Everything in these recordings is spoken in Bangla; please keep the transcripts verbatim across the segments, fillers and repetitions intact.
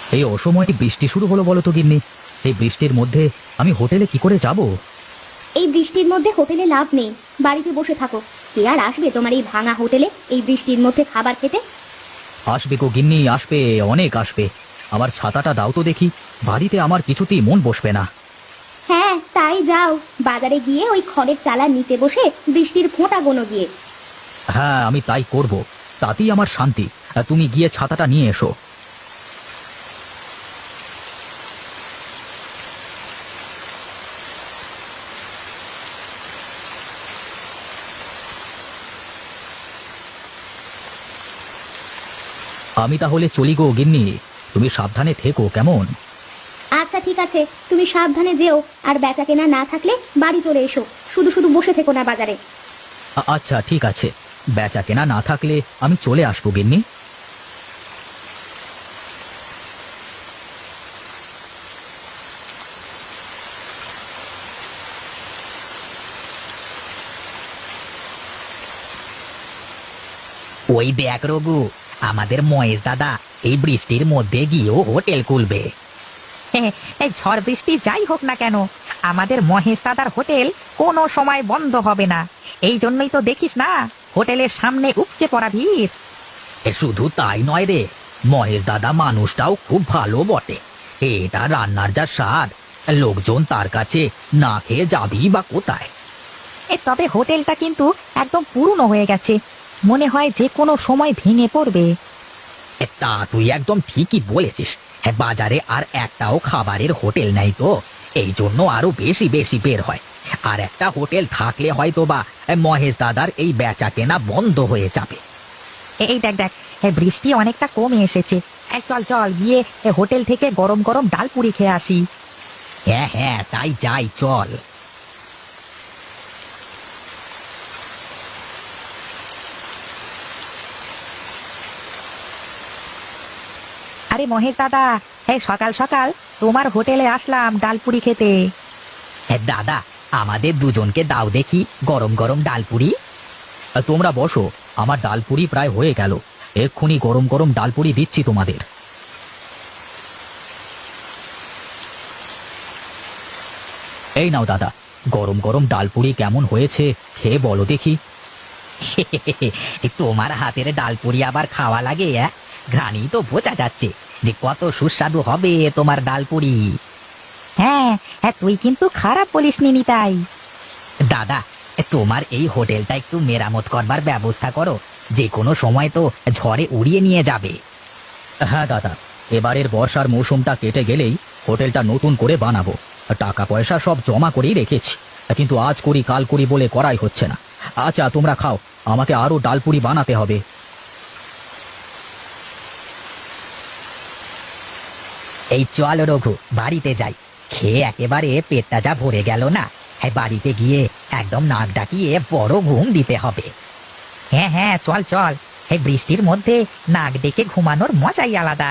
এই অসময়ে বৃষ্টি শুরু হলো বলো তো গিন্নি? এই বৃষ্টির মধ্যে আমি হোটেলে কি করে যাব? এই বৃষ্টির মধ্যে হোটেলে লাভ নেই, বাড়িতে বসে থাকো। কে আর আসবে তোমার এই ভাঙা হোটেলে এই বৃষ্টির মধ্যে খাবার খেতে? আসবে গো গিন্নি, আসবে, অনেক আসবে। আমার ছাতাটা দাও তো দেখি, বাড়িতে আমার কিছুতেই মন বসবে না। হ্যাঁ তাই যাও, বাজারে গিয়ে ওই খড়ের চালার নিচে বসে বৃষ্টির ফোঁটা গোনো গিয়ে। হ্যাঁ, আমি তাই করব, তাতেই আমার শান্তি। তুমি গিয়ে ছাতাটা নিয়ে এসো। আমি তাহলে চলি গো গিন্নি, তুমি সাবধানে থেকো কেমন? আচ্ছা ঠিক আছে, তুমি সাবধানে যেও, আর বেচা কেনা না থাকলে বাড়ি চলে এসো, শুধু শুধু বসে থেকো না বাজারে। আ- আচ্ছা ঠিক আছে, বেচা কেনা না থাকলে আমি চলে আসবো গিন্নি। ওই দেখ রঘু, আমাদের মহেশ দাদা এই বৃষ্টির মধ্যে গিয়েও হোটেল খুলবে। এই ঝড় বৃষ্টি যাই হোক না কেন, আমাদের মহেশ দাদার হোটেল কোনো সময় বন্ধ হবে না। এই জন্যই তো দেখিস না হোটেলের সামনে উপচে পড়া ভিড়। এ শুধু তাই নয় রে, মহেশ দাদা মানুষটাও খুব ভালো বটে। এটা রান্নার যা স্বাদ, লোকজন তার কাছে না খেয়ে যাবেই বা কোথায়। এ তবে হোটেলটা কিন্তু একদম পুরনো হয়ে গেছে, মনে হয় যে কোনো সময় ভেঙে পড়বে। এ তা তুই একদম ঠিকই বলেছিস। হ্যাঁ, বাজারে আর একটাও খাবারের হোটেল নাই তো, এই জন্য আরো বেশি বেশি বের হয়। আর একটা হোটেল থাকলে হয়তো বা মহেশ দাদার এই বেচা কেনা বন্ধ হয়ে যাবে। এ- এই দেখ দেখ, এ বৃষ্টি অনেকটা কমে এসেছে। এই চল চল গিয়ে এ হোটেল থেকে গরম গরম ডাল পুরি খেয়ে আসি। হ্যাঁ হ্যাঁ, তাই যাই, চল। আরে মহেশ দাদা, এই সকাল সকাল তোমার হোটেলে আসলাম ডালপুরি খেতে। হ্যাঁ দাদা, আমাদের দুজনকে দাও দেখি গরম গরম ডালপুরি। তোমরা বসো, আমার ডালপুরি প্রায় হয়ে গেল। এক্ষুনি গরম গরম ডালপুরি দিচ্ছি তোমাদের। এই নাও দাদা, গরম গরম ডালপুরি কেমন হয়েছে খেয়ে বলো দেখি। তোমার হাতের ডালপুরি আবার খাওয়া লাগে? অ্যাঁ? ঘ্রাণই তো বোঝা যাচ্ছে যে কত সুস্বাদু হবে তোমার ডালপুরি। হ্যাঁ হ্যাঁ, তুই কিন্তু খারাপ বলিসনি নিতাই। দাদা, তোমার এই হোটেলটা একটু মেরামত করবার ব্যবস্থা করো, যে কোনো সময় তো ঝড়ে উড়িয়ে নিয়ে যাবে। হ্যাঁ দাদা, এবারের বর্ষার মৌসুমটা কেটে গেলেই হোটেলটা নতুন করে বানাবো। টাকা পয়সা সব জমা করেই রেখেছি, কিন্তু আজ করি কাল করি বলে করাই হচ্ছে না। আচ্ছা তোমরা খাও, আমাকে আরো ডালপুরি বানাতে হবে। এই চল রঘু, বাড়িতে যাই। খেয়ে একেবারে পেটটা যা ভরে গেল না, হ্যাঁ বাড়িতে গিয়ে একদম নাক ডাকিয়ে বড় ঘুম দিতে হবে। হ্যাঁ হ্যাঁ চল চল, এই বৃষ্টির মধ্যে নাক ডেকে ঘুমানোর মজাই আলাদা।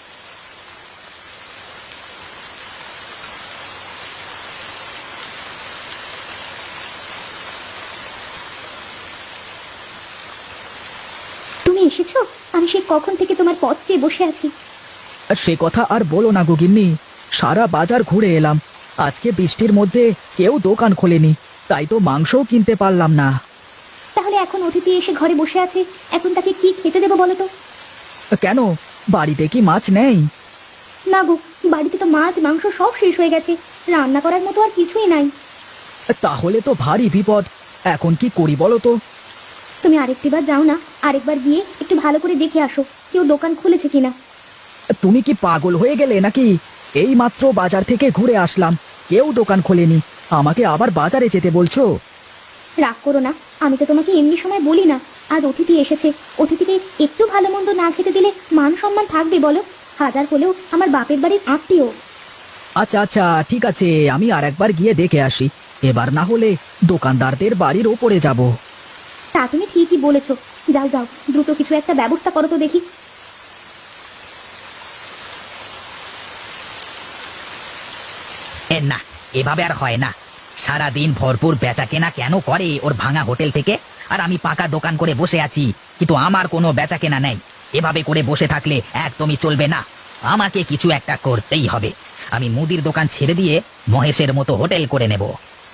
তুমি এসেছো? আমি সেই কখন থেকে তোমার পথ চেয়ে বসে আছি। সে কথা আর বলো না গো গিন্নি, সারা বাজার ঘুরে এলাম, আজকে বৃষ্টির মধ্যে কেউ দোকান খোলেনি, তাই তো মাংসও কিনতে পারলাম না। তাহলে এখন অতিথি এসে ঘরে বসে আছে, এখন তাকে কি খেতে দেবো বলো তো? কেন, বাড়িতে কি মাছ নেই? না গো, বাড়িতে তো মাছ মাংস সব শেষ হয়ে গেছে, রান্না করার মতো আর কিছুই নাই। তাহলে তো ভারী বিপদ, এখন কি করি বলো তো? তুমি আরেকটিবার যাও না, আরেকবার গিয়ে একটু ভালো করে দেখে আসো কেউ দোকান খুলেছে কিনা। তুমি কি পাগল হয়ে গেলে নাকি? এই মাত্র বাজার থেকে ঘুরে আসলাম, কেউ দোকান খোলেনি, আমাকে আবার বাজারে যেতে বলছো? রাগ করো না, আমি তো তোমাকে এমনি সময় বলি না। আজ অতিথি এসেছে, অতিথিকে একটু ভালো মন্দ না খেতে দিলে মান সম্মান থাকবে বলো? হাজার হলেও আমার বাপের বাড়ির আত্মীয়। আচ্ছা আচ্ছা ঠিক আছে, আমি আর একবার গিয়ে দেখে আসি, এবার না হলে দোকানদারদের বাড়ির ওপরে যাব। তা তুমি ঠিকই বলেছ, যাও যাও, দ্রুত কিছু একটা ব্যবস্থা করো তো দেখি। এ না, এভাবে আর হয় না। সারাদিন ভরপুর বেচা কেনা কেন করে ওর ভাঙা হোটেল থেকে, আর আমি পাকা দোকান করে বসে আছি, কিন্তু আমার কোনো বেচা কেনা নেই। এভাবে করে বসে থাকলে একদমই চলবে না। আমাকে কিছু একটা করতেই হবে। আমি মুদির দোকান ছেড়ে দিয়ে মহেশের মতো হোটেল করে নেব।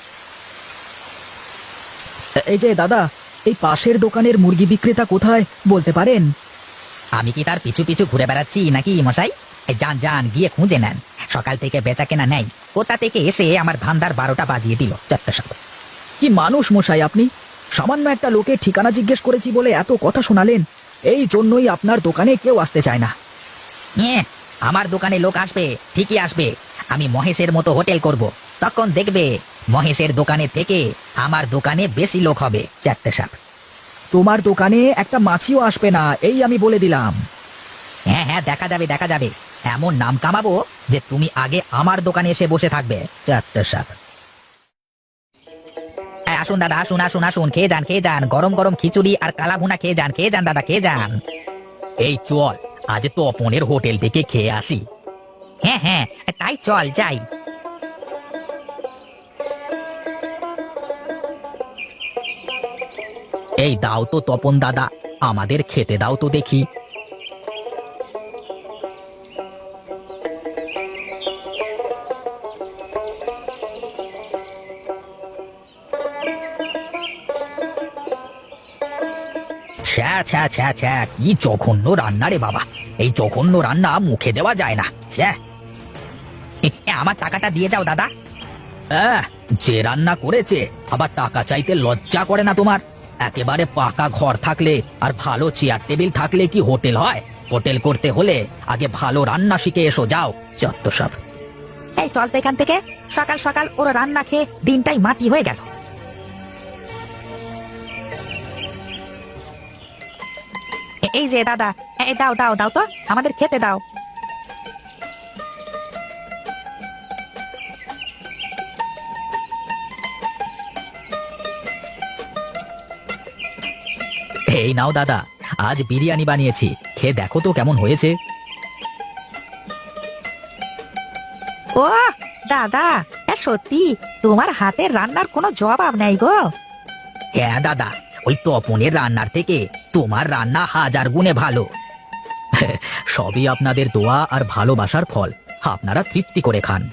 এই যে দাদা, এই পাশের দোকানের মুরগি বিক্রেতা কোথায় বলতে পারেন? আমি কি তার পিছু পিছু ঘুরে বেড়াচ্ছি নাকি মশাই? এই যান যান, গিয়ে খুঁজে নেন। সকাল থেকে বেচা কেনা নেই, কোথা থেকে এসে আমার ধান্দার বারোটা বাজিয়ে দিল চারটে সকাল। কি মানুষ মশাই আপনি! সামান্য একটা লোকের ঠিকানা জিজ্ঞেস করেছি বলে এত কথা শোনালেন। এই জন্যই আপনার দোকানে কেউ আসতে চায় না। হ্যাঁ, আমার দোকানে লোক আসবে, ঠিকই আসবে। আমি মহেশের মতো হোটেল করব, তখন দেখবে মহেশের দোকানে থেকে আমার দোকানে বেশি লোক হবে চারটে সাপ। তোমার দোকানে একটা মাছিও আসবে না, এই আমি বলে দিলাম। হ্যাঁ হ্যাঁ, দেখা যাবে দেখা যাবে। এমন নাম কামাবো যে তুমি আগে আমার দোকানে এসে বসে থাকবে চারটে সাপ। আসুন দাদা, আসুন আসুন আসুন, খেয়ে যান খেয়ে যান। গরম গরম খিচুড়ি আর কালা ভুনা খেয়ে যান, খেয়ে যান দাদা, খেয়ে যান। এই চল, আজ তো অপনের হোটেল থেকে খেয়ে আসি। হ্যাঁ হ্যাঁ, তাই চল যাই। এই দাও তো তপন দাদা, আমাদের খেতে দাও তো দেখি। ছ্যা ছ্যা ছ্যা ছ্যা, কি জঘন্য রান্না রে বাবা! এই জঘন্য রান্না মুখে দেওয়া যায় না। ছ্যা, এ, এ, আমার টাকাটা দিয়ে যাও দাদা। আহ, যে রান্না করেছে আবার টাকা চাইতে লজ্জা করে না তোমার? একেবারে পাকা ঘর থাকলে আর ভালো চেয়ার টেবিল থাকলে কি হোটেল হয়? হোটেল করতে হলে আগে ভালো রান্না শিখে এসো, যাও যত সব। এই চল তো এখান থেকে, সকাল সকাল ওরা রান্না খেয়ে দিনটাই মাটি হয়ে গেল। এই যে দাদা, এই দাও দাও দাও তো, আমাদের খেতে দাও। এই নাও দাদা, আজ বিরিয়ানি বানিয়েছি, খেয়ে দেখো তো কেমন হয়েছে। ও দাদা, সত্যি তোমার হাতের রান্নার কোনো জবাব নেই গো। হ্যাঁ দাদা, ওই তপনের রান্নার থেকে তোমার রান্না হাজার গুণে ভালো। সবই আপনাদের দোয়া আর ভালোবাসার ফল, আপনারা তৃপ্তি করে খান।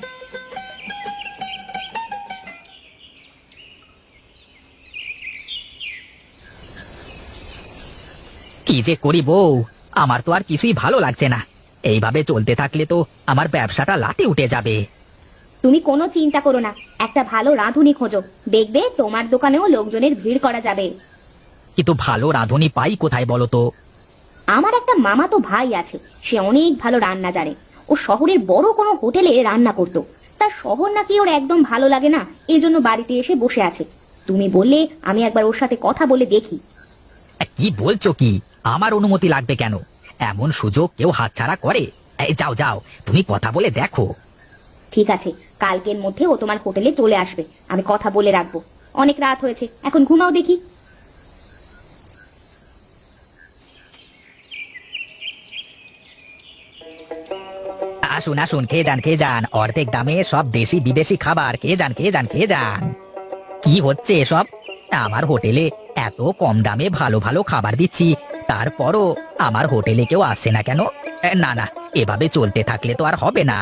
কি যে করি বউ, আমার তো আর কিছুই ভালো লাগছে না। এইভাবে চলতে থাকলে তো আমার ব্যবসাটা লাটে উঠে যাবে। তুমি কোনো চিন্তা করো না, একটা ভালো রাঁধুনি খোঁজো, দেখবে তোমার দোকানেও লোকজনের ভিড় করা যাবে। কিন্তু ভালো রাঁধুনি পাই কোথায় বলো তো? আমার একটা মামাতো ভাই আছে, সে অনেক ভালো রান্না জানে। ও শহরের বড় কোনো হোটেলে রান্না করতো, তার শহর নাকি ওর একদম ভালো লাগে না, এই জন্য বাড়িতে এসে বসে আছে। তুমি বললে আমি একবার ওর সাথে কথা বলে দেখি। কি বলছো কি? আমার অনুমতি লাগবে কেন? এমন সুযোগ কেউ হাতছাড়া করে? এই যাও যাও, তুমি কথা বলে দেখো। ঠিক আছে, কালকের মধ্যে ও তোমার হোটেলে চলে আসবে, আমি কথা বলে রাখবো। অনেক রাত হয়েছে, এখন ঘুমাও দেখি। আসুন আসুন, খেয়ে যান খেয়ে যান, অর্ধেক দামে সব দেশি বিদেশি খাবার, খেয়ে যান খেয়ে যান খেয়ে যান। কি হচ্ছে এসব? আমার হোটেলে এত কম দামে ভালো ভালো খাবার দিচ্ছি, তারপরও আমার হোটেলে কেউ আসছে না কেন? এ, না না, এভাবে চলতে থাকলে তো আর হবে না।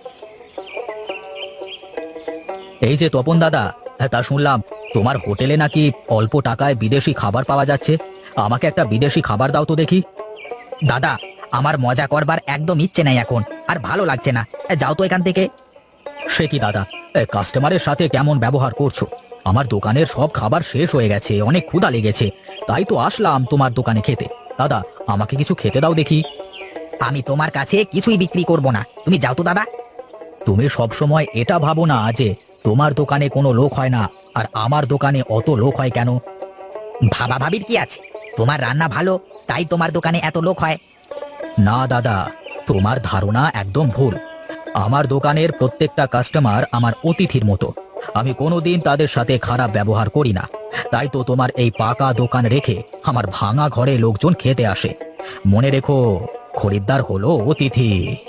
এই যে তপন দাদা, তা শুনলাম তোমার হোটেলে নাকি অল্প টাকায় বিদেশি খাবার পাওয়া যাচ্ছে। আমাকে একটা বিদেশি খাবার দাও তো দেখি। দাদা, আমার মজা করবার একদম ইচ্ছে নেই এখন, আর ভালো লাগছে না, যাও তো এখান থেকে। সে কি দাদা, কাস্টমারের সাথে কেমন ব্যবহার করছো? আমার দোকানের সব খাবার শেষ হয়ে গেছে, অনেক ক্ষুধা লেগেছে, তাই তো আসলাম তোমার দোকানে খেতে। দাদা, আমাকে কিছু খেতে দাও দেখি। আমি তোমার কাছে কিছুই বিক্রি করব না, তুমি যাও তো দাদা। তুমি সব সময় এটা ভাবো না যে তোমার দোকানে কোনো লোক হয় না আর আমার দোকানে অত লোক হয় কেন? ভাবা ভাবির কি আছে? তোমার রান্না ভালো, তাই তোমার দোকানে এত লোক হয়। না দাদা, তোমার ধারণা একদম ভুল। আমার দোকানের প্রত্যেকটা কাস্টমার আমার অতিথির মতো, আমি কোনোদিন তাদের সাথে খারাপ ব্যবহার করি না। তাই তো তোমার এই পাকা দোকান রেখে আমার ভাঙা ঘরে লোকজন খেতে আসে। মনে রেখো, খরিদ্দার হলো অতিথি।